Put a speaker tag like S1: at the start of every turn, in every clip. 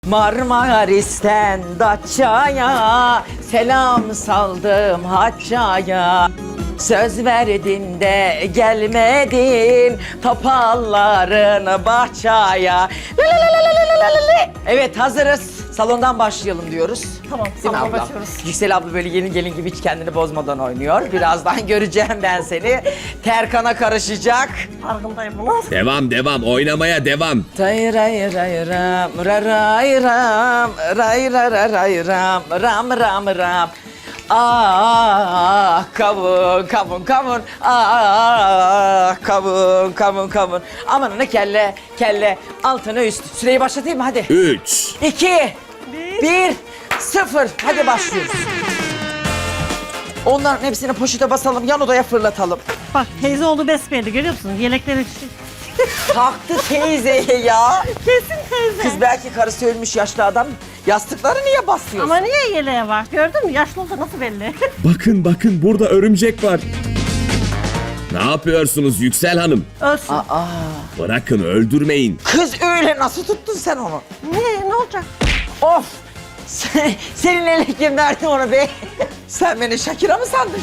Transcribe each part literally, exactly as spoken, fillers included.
S1: Marmaris'ten Datça'ya selam saldım Haçça'ya. Söz verdin de gelmedin topalların bahçaya. Evet, hazırız. Salondan başlayalım diyoruz.
S2: Tamam,
S1: Değil mi
S2: salona
S1: ablam?
S2: başlıyoruz.
S1: Yüksel abla böyle yeni gelin gibi hiç kendini bozmadan oynuyor. Birazdan göreceğim ben seni. Terkan'a karışacak.
S2: Farkındayım bunun.
S3: Devam devam oynamaya devam.
S1: Ray ray ray ram ra ray ram ray ra ra ray ram ram ram ram. Ah kavun kavun kavun ah kavun kavun kavun. Aman ne kelle kelle altına üst. Süreyi başlatayım mı hadi?
S3: Üç.
S1: İki,
S2: Bir.
S1: bir, sıfır. Hadi başlıyoruz. Onların hepsini poşete basalım, yan odaya fırlatalım.
S2: Bak teyze oğlu besbelli görüyor musun? Yelekleri
S1: Taktı teyzeye ya.
S2: kesin teyze.
S1: Kız belki karısı ölmüş yaşlı adam. Yastıkları niye basıyorsun?
S2: Ama niye yeleğe var? Gördün mü? Yaşlı olsa nasıl belli?
S3: Bakın bakın burada örümcek var. Ne yapıyorsunuz Yüksel Hanım?
S2: Ölsün.
S1: Aa,
S3: Bırakın öldürmeyin.
S1: kız öyle nasıl tuttun sen onu?
S2: Niye? Ne olacak?
S1: Of! Sen, senin ele kim verdi onu be? Sen beni Şakira mı sandın?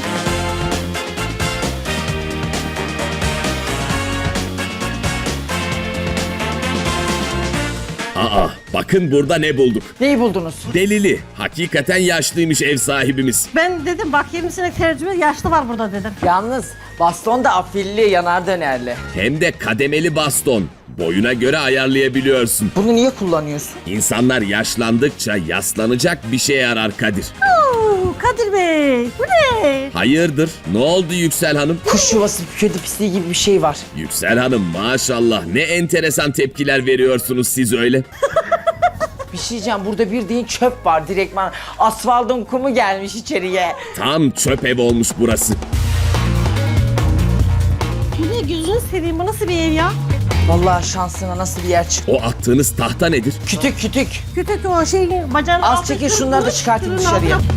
S3: Aa bakın burada ne bulduk.
S1: Neyi buldunuz?
S3: Delili. Hakikaten yaşlıymış ev sahibimiz.
S2: Ben dedim bak yirmi senelik tercüme yaşlı var burada dedim.
S1: Yalnız baston da afilli, yanar dönerli.
S3: Hem de kademeli baston. Boyuna göre ayarlayabiliyorsun.
S1: Bunu niye kullanıyorsun?
S3: İnsanlar yaşlandıkça yaslanacak bir şeye arar Kadir.
S2: Oo, Kadir Bey bu ne?
S3: Hayırdır? Ne oldu Yüksel Hanım?
S1: Kuş yuvası, kedi pisliği gibi bir şey var.
S3: Yüksel Hanım maşallah ne enteresan tepkiler veriyorsunuz siz öyle.
S1: Bir şey diyeceğim, burada bir değil çöp var direktman. Asfaltın kumu gelmiş içeriye.
S3: Tam çöp ev olmuş burası.
S2: Bu ne gözünü seveyim bu nasıl bir ev ya?
S1: Vallahi şansına nasıl bir yer çıktı.
S3: O attığınız tahta nedir?
S1: Kütük kütük.
S2: Kütük o şey bacağını
S1: Az
S2: altı
S1: çekin
S2: kırmış,
S1: şunları da çıkartın
S2: ürün
S1: dışarıya.
S2: altına-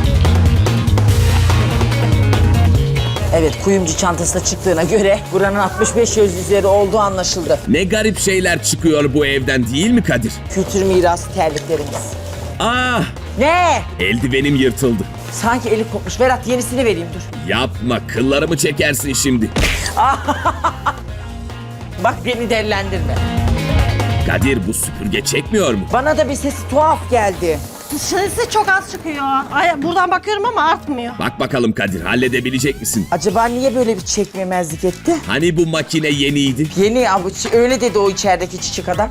S1: Evet, kuyumcu çantasına çıktığına göre buranın altmış beş yaş üzeri olduğu anlaşıldı.
S3: Ne garip şeyler çıkıyor bu evden değil mi Kadir?
S1: Kültür mirası terliklerimiz.
S3: Ah!
S1: Ne?
S3: Eldivenim yırtıldı.
S1: Sanki eli kopmuş. Berat yenisini vereyim dur.
S3: Yapma kıllarımı çekersin şimdi.
S1: Bak beni dellendirme.
S3: Kadir bu süpürge çekmiyor mu?
S1: Bana da bir sesi tuhaf geldi.
S2: Dışarısı çok az çıkıyor. Ay, buradan bakıyorum ama artmıyor.
S3: Bak bakalım Kadir halledebilecek misin?
S1: Acaba niye böyle bir çekmemezlik etti?
S3: Hani bu makine yeniydi?
S1: Yeni avuç öyle dedi o içerideki çiçek adam.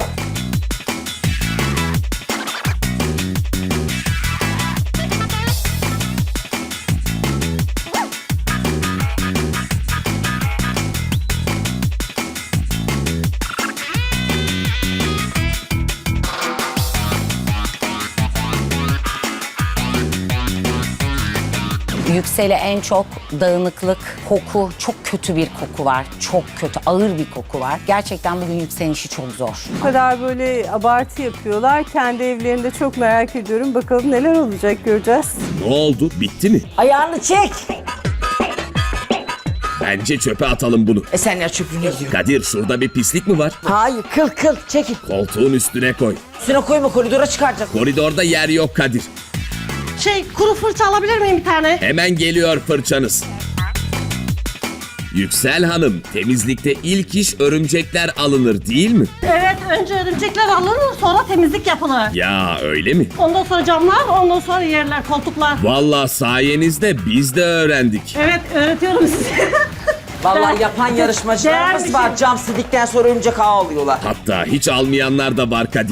S4: Yüksel'e en çok dağınıklık, koku, çok kötü bir koku var. Çok kötü, ağır bir koku var. Gerçekten bugün Yüksel'in işi çok zor.
S5: Bu kadar böyle abartı yapıyorlar. Kendi evlerinde çok merak ediyorum. Bakalım neler olacak göreceğiz.
S3: Ne oldu? Bitti mi?
S1: Ayağını çek.
S3: Bence çöpe atalım bunu.
S1: E sen ya çöpünü diyor.
S3: Kadir şurada bir pislik mi var?
S1: Hayır, kıl kıl çekil.
S3: Koltuğun üstüne koy.
S1: Üstüne koyma, koridora çıkaracağız.
S3: Koridorda yer yok Kadir.
S2: Şey kuru fırça alabilir miyim bir tane?
S3: Hemen geliyor fırçanız. Yüksel Hanım, temizlikte ilk iş örümcekler alınır değil mi?
S2: Evet önce örümcekler alınır sonra temizlik yapılır.
S3: Ya öyle mi?
S2: Ondan sonra camlar, ondan sonra yerler, koltuklar.
S3: Vallahi sayenizde biz de öğrendik.
S2: Evet öğretiyorum size.
S1: Vallahi yapan yarışmacılarımız
S2: Değerli
S1: var.
S2: şey.
S1: Cam sildikten sonra örümcek ağı alıyorlar.
S3: Hatta hiç almayanlar da var Kadir.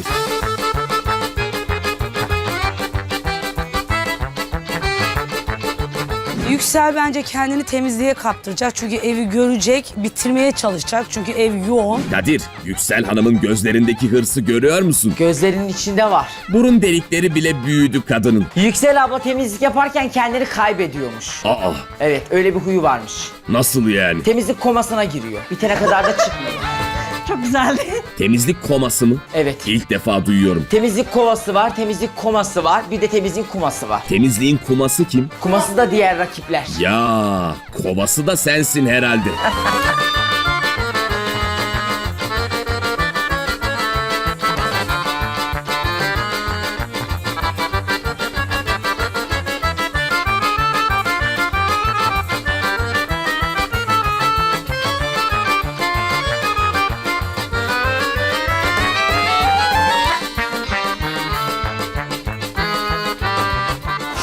S6: Yüksel bence kendini temizliğe kaptıracak çünkü evi görecek, bitirmeye çalışacak çünkü ev yoğun.
S3: Kadir, Yüksel Hanım'ın gözlerindeki hırsı görüyor musun?
S1: Gözlerinin içinde var.
S3: Burun delikleri bile büyüdü kadının.
S1: Yüksel abla temizlik yaparken kendini kaybediyormuş.
S3: Aa,
S1: Evet, öyle bir huyu varmış.
S3: nasıl yani?
S1: Temizlik komasına giriyor. Bitene kadar da çıkmıyor.
S2: Çok güzeldi.
S3: Temizlik koması mı?
S1: Evet.
S3: İlk defa duyuyorum.
S1: Temizlik kovası var, temizlik koması var. Bir de temizlik kuması var.
S3: Temizliğin kuması kim?
S1: Kuması da diğer rakipler.
S3: Ya, kovası da sensin herhalde.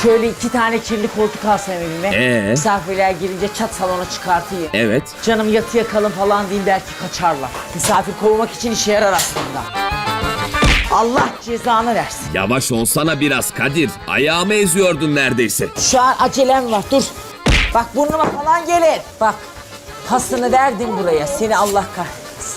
S1: Şöyle iki tane kirli koltuk alsam evime.
S3: Ee?
S1: Misafirler gelince çat salona çıkartayım.
S3: Evet.
S1: Canım yatıya kalın falan değil belki kaçarlar. Misafir kovmak için işe yarar aslında. Allah cezanı versin.
S3: Yavaş olsana biraz Kadir. Ayağımı eziyordun neredeyse.
S1: Şu an acelem var dur. Bak burnuma falan gelir. Bak pasını verdim buraya. Seni Allah kahretsin.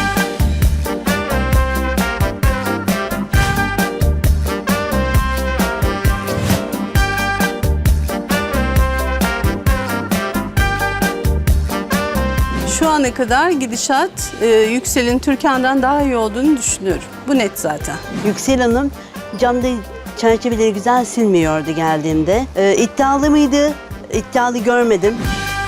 S5: Şu ana kadar gidişat e, Yüksel'in Türkan'dan daha iyi olduğunu düşünüyorum. Bu net zaten.
S7: Yüksel Hanım camda çerçeveleri güzel silmiyordu geldiğimde. Ee, iddialı mıydı? İddialı görmedim.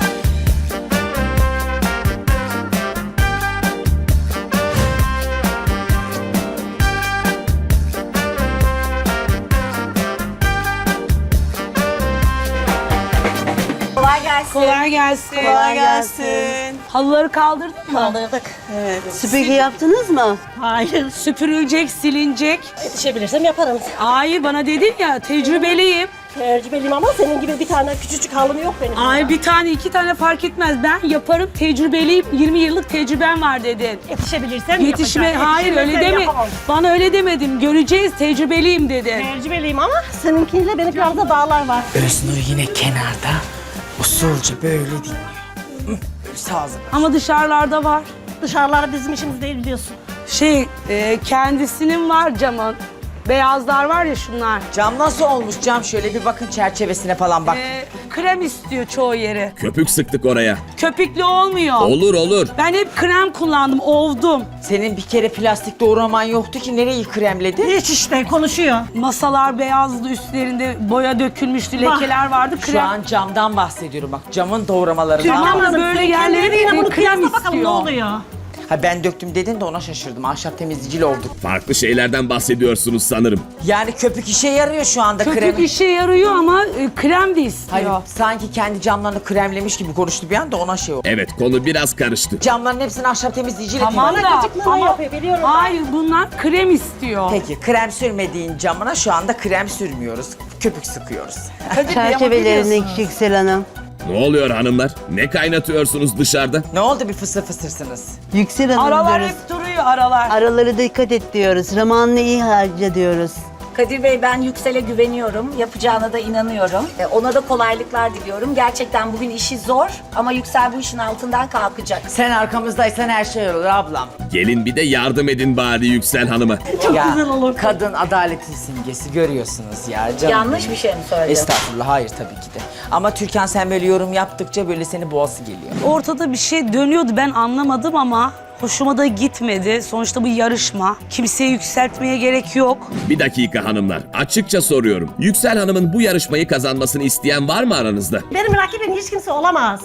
S2: Kolay gelsin.
S6: Kolay gelsin.
S5: Kolay gelsin.
S6: Halıları kaldırdın mı?
S2: Kaldırdık.
S7: Süpürge yaptınız mı?
S2: Hayır.
S6: Süpürülecek, silinecek.
S2: Yetişebilirsem yaparım.
S6: Hayır bana dedin ya tecrübeliyim.
S2: Tecrübeliyim ama senin gibi bir tane küçücük halım yok benim.
S6: Ay bir tane iki tane fark etmez. Ben yaparım tecrübeliyim. yirmi yıllık tecrübem var dedin.
S2: Yetişebilirsem
S6: Yetişme
S2: yapacağım.
S6: hayır öyle
S2: Yetişemezsem
S6: deme.
S2: yapamam.
S6: Bana öyle demedim. Göreceğiz tecrübeliyim dedin.
S2: Tecrübeliyim ama seninkiyle benim arada dağlar var.
S1: Öznur yine kenarda usulca böyle dinliyor. Hı, böyle sağzı.
S6: Ama dışarılarda var.
S2: Dışarılar bizim işimiz değil biliyorsun.
S6: Şey e, kendisinin var camın. Beyazlar var ya şunlar.
S1: Cam nasıl olmuş cam? Şöyle bir bakın çerçevesine falan bak.
S6: E, krem istiyor çoğu yeri.
S3: Köpük sıktık oraya.
S6: Köpüklü olmuyor.
S3: Olur olur.
S6: Ben hep krem kullandım, ovdum.
S1: Senin bir kere plastik doğraman yoktu ki nereyi kremledin?
S2: Hiç işte konuşuyor.
S6: Masalar beyazdı, üstlerinde boya dökülmüştü, lekeler vardı.
S1: Şu
S6: Krem.
S1: an camdan bahsediyorum bak camın doğramalarından.
S6: Tamam da böyle yerlere
S2: yine bunu
S6: krem
S2: kıyasla bakalım ne
S6: istiyor.
S2: oluyor.
S1: Ha ben döktüm dedin de ona şaşırdım. Ahşap temizleyicili olduk.
S3: Farklı şeylerden bahsediyorsunuz sanırım.
S1: Yani köpük işe yarıyor şu anda
S6: Köpük
S1: krem.
S6: işe yarıyor ama e, krem de istiyor.
S1: Hayır sanki kendi camlarını kremlemiş gibi konuştu bir anda ona şey oldu.
S3: Evet konu biraz karıştı.
S1: Camların hepsini ahşap temizleyiciyle
S6: Tamam
S1: temizle.
S6: da
S2: gıcıklığını
S6: ama
S2: yapıyor, biliyorum ben.
S6: hayır bunlar krem istiyor.
S1: Peki krem sürmediğin camına şu anda krem sürmüyoruz. Köpük sıkıyoruz.
S7: Çerçevelerini Yüksel Hanım.
S3: Ne oluyor hanımlar? Ne kaynatıyorsunuz dışarıda?
S1: Ne oldu bir fısır fısırsınız?
S7: Yüksel Hanım
S6: Aralar
S7: diyoruz.
S6: hep duruyor aralar.
S7: Araları dikkat et diyoruz. Zamanını iyi harca diyoruz.
S8: Kadir Bey ben Yüksel'e güveniyorum. Yapacağına da inanıyorum. E, Ona da kolaylıklar diliyorum. Gerçekten bugün işi zor ama Yüksel bu işin altından kalkacak.
S1: Sen arkamızdaysan her şey olur ablam.
S3: Gelin bir de yardım edin bari Yüksel Hanım'a.
S1: ya, kadın adaletin simgesi görüyorsunuz ya canım.
S8: Yanlış bir şey mi söyledim?
S1: Estağfurullah hayır tabii ki de. Ama Türkan sen böyle yorum yaptıkça böyle seni boğası geliyor.
S6: Ortada bir şey dönüyordu ben anlamadım ama hoşuma da gitmedi. Sonuçta bu yarışma. Kimseyi yükseltmeye gerek yok.
S3: Bir dakika hanımlar. Açıkça soruyorum. Yüksel Hanım'ın bu yarışmayı kazanmasını isteyen var mı aranızda?
S2: Benim rakibim hiç kimse olamaz.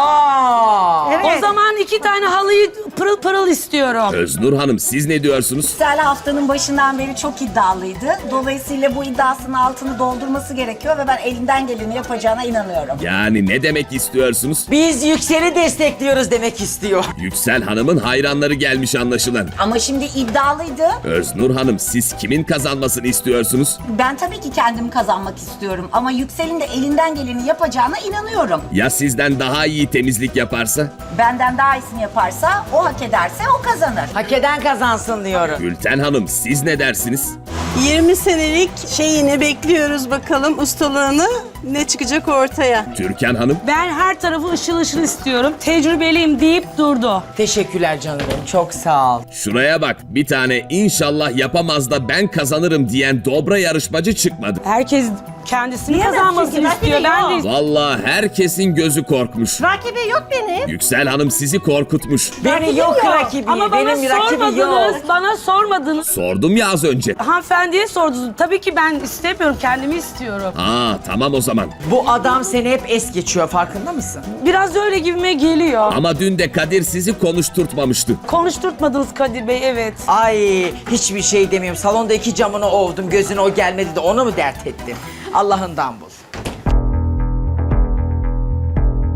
S1: Aa!
S2: Evet.
S6: O zaman iki tane halıyı pırıl pırıl istiyorum.
S3: Öznur Hanım siz ne diyorsunuz?
S8: Yüksel haftanın başından beri çok iddialıydı. Dolayısıyla bu iddiasının altını doldurması gerekiyor ve ben elinden geleni yapacağına inanıyorum.
S3: Yani ne demek istiyorsunuz?
S1: Biz Yüksel'i destekliyoruz demek istiyor.
S3: Yüksel Hanım'ın hayranları gelmiş anlaşılan.
S8: Ama şimdi iddialıydı.
S3: Öznur Hanım siz kimin kazanmasını istiyorsunuz?
S8: Ben tabii ki kendimi kazanmak istiyorum. Ama Yüksel'in de elinden geleni yapacağına inanıyorum.
S3: Ya sizden daha iyi temizlik yaparsa?
S8: Benden daha iyisini yaparsa, o hak ederse o kazanır.
S1: Hak eden kazansın diyorum.
S3: Gülten Hanım siz ne dersiniz?
S5: yirmi senelik şeyini bekliyoruz bakalım ustalığını ne çıkacak ortaya.
S3: Türkan Hanım?
S6: Ben her tarafı ışıl ışıl istiyorum. Tecrübeliyim deyip durdu.
S1: Teşekkürler canım benim çok sağ ol.
S3: Şuraya bak bir tane inşallah yapamaz da ben kazanırım diyen dobra yarışmacı çıkmadı.
S6: Herkes kendisini
S2: Diyemez
S6: kazanmasını
S2: çünkü,
S6: istiyor.
S2: rakibi
S6: Ben
S2: yok.
S6: de
S3: Vallahi herkesin gözü korkmuş.
S2: Rakibi yok benim.
S3: Yüksel Hanım sizi korkutmuş.
S1: Beni yok
S2: yok.
S1: rakibi,
S6: ama bana
S1: benim rakibi yok.
S6: sormadınız. Bana sormadınız.
S3: Sordum ya az önce.
S6: Hanımefendiye sordunuz. Tabii ki ben istemiyorum. Kendimi istiyorum.
S3: Aa tamam o zaman.
S1: Bu adam seni hep es geçiyor farkında mısın?
S6: Biraz öyle gibime geliyor.
S3: Ama dün de Kadir sizi konuşturtmamıştı.
S6: Konuşturtmadınız Kadir Bey, evet.
S1: Ay hiçbir şey demiyorum. Salonda iki camını ovdum gözüne o gelmedi de onu mu dert ettin? Allah'ından bul. Kış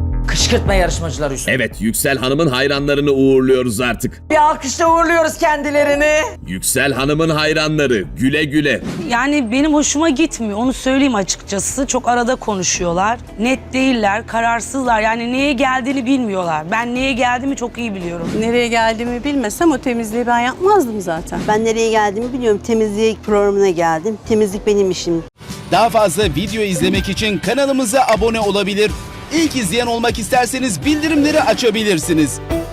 S1: Kışkırtma yarışmacıları üstüne.
S3: Evet, Yüksel Hanım'ın hayranlarını uğurluyoruz artık.
S1: Bir alkışla uğurluyoruz kendilerini.
S3: Yüksel Hanım'ın hayranları güle güle.
S6: Yani benim hoşuma gitmiyor. Onu söyleyeyim açıkçası. Çok arada konuşuyorlar. Net değiller, kararsızlar. Yani neye geldiğini bilmiyorlar. Ben neye geldiğimi çok iyi biliyorum.
S5: Nereye geldiğimi bilmesem o temizliği ben yapmazdım zaten.
S7: Ben nereye geldiğimi biliyorum. Temizlik programına geldim. Temizlik benim işim.
S9: Daha fazla video izlemek için kanalımıza abone olabilir. İlk izleyen olmak isterseniz bildirimleri açabilirsiniz.